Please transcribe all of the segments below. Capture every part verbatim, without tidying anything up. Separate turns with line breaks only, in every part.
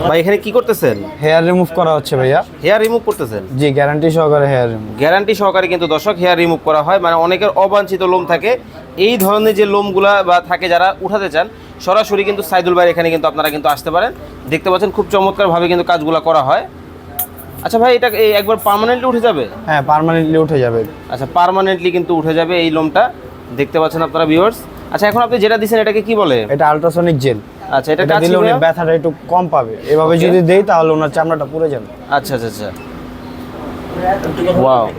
ভাই এখানে কি করতেছেন?
হেয়ার রিমুভ করা হচ্ছে ভাইয়া।
হেয়ার রিমুভ করতেছেন?
জি, গ্যারান্টি সহকারে হেয়ার রিমুভ।
গ্যারান্টি সহকারে কিন্তু দর্শক হেয়ার রিমুভ করা হয়, মানে অনেকের অবাঞ্ছিত লোম থাকে, এই ধরনের যে লোমগুলা বা থাকে যারা উঠাতে চান সরাসরি কিন্তু সাইদুল ভাই এখানে কিন্তু আপনারা কিন্তু আসতে পারেন। দেখতে পাচ্ছেন খুব চমৎকারভাবে কিন্তু কাজগুলো করা হয়। আচ্ছা ভাই, এটা এই একবার পার্মানেন্টলি উঠে যাবে?
হ্যাঁ, পার্মানেন্টলি উঠে যাবে।
আচ্ছা, পার্মানেন্টলি কিন্তু উঠে যাবে এই লোমটা, দেখতে পাচ্ছেন আপনারা ভিউয়ার্স। আচ্ছা, এখন আপনি যেটা দিচ্ছেন এটাকে কি বলে?
এটা আলট্রাসনিক জেল।
আচ্ছা, এটা
এটা
কাজ
দিলে
কি
উনি
ভাইয়া?
ব্যথাটা একটু কম পাবে। এভাবে
Okay.
যদি দেই তাহলে ওনার চামড়াটা পুড়ে যাবে।
আচ্ছা আচ্ছা আচ্ছা, ওয়াও।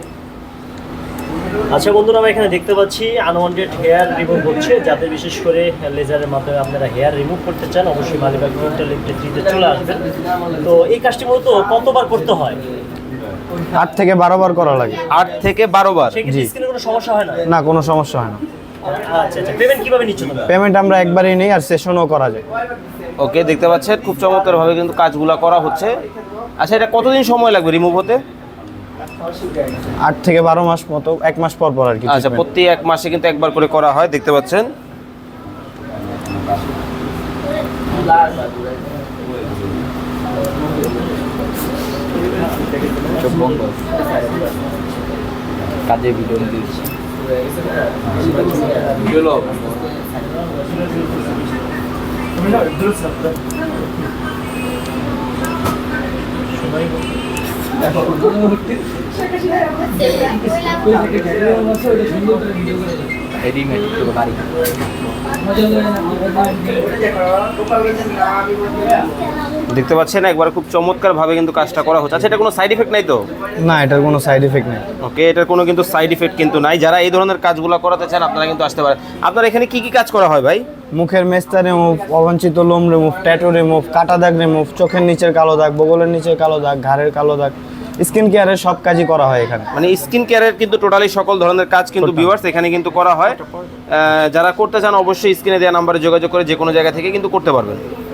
আচ্ছা বন্ধুরা, আমরা এখানে দেখতে পাচ্ছি আনওয়ান্টেড হেয়ার রিমুভ হচ্ছে। যাতে বিশেষ করে লেজারের মাধ্যমে আপনারা হেয়ার রিমুভ করতে চান, অবশ্যই মালিবাগ ডিজিটাল ইলেকট্রিতে চলে আসবেন। তো এই কাজটি মূলত কতবার করতে হয়?
আট থেকে বারো বার করা লাগে।
আট থেকে বারো বার?
সেক্ষেত্রে স্কিনে কোনো সমস্যা হয় না?
না, কোনো সমস্যা হয় না।
আচ্ছা আচ্ছা, পেমেন্ট কিভাবে নিচ্ছ তোমরা?
পেমেন্ট আমরা একবারই নেই, আর সেশনও করা যায়।
ওকে, দেখতে পাচ্ছেন খুব চমৎকারভাবে কিন্তু কাজগুলো করা হচ্ছে। আচ্ছা, এটা কতদিন সময় লাগবে রিমুভ হতে?
আট থেকে বারো মাস মতো, এক মাস পর পর আর কি।
আচ্ছা, প্রতি এক মাসে কিন্তু একবার করে করা হয়, দেখতে পাচ্ছেন।
কাজে ভিডিও দিচ্ছি
দেখতে পাচ্ছেন একবার খুব চমৎকারভাবে কিন্তু কাজটা করা হচ্ছে। আচ্ছা, এটা কোনো সাইড ইফেক্ট নাই তো?
না, এটার কোনো সাইড এফেক্ট নেই।
ওকে, এটার কোনো কিন্তু সাইড ইফেক্ট কিন্তু নাই। যারা এই ধরনের কাজগুলো করাতে চান আপনারা কিন্তু আসতে পারেন। আপনার এখানে কি কি কাজ করা হয় ভাই?
মুখের মেস্তা রিমুভ, অবাঞ্ছিত লোম রিমুভ, ট্যাটু রিমুভ, কাটা দাগ রিমুভ, চোখের নিচের কালো দাগ, বগলের নিচের কালো দাগ, ঘাড়ের কালো দাগ, স্কিন কেয়ারের সব কাজই করা হয় এখানে।
মানে স্কিন কেয়ারের কিন্তু টোটালি সকল ধরনের কাজ কিন্তু ভিউয়ার্স এখানে কিন্তু করা হয়। আহ, যারা করতে চান অবশ্যই স্ক্রিনে দেওয়া নাম্বারে যোগাযোগ করে যে কোনো জায়গা থেকে কিন্তু করতে পারবেন।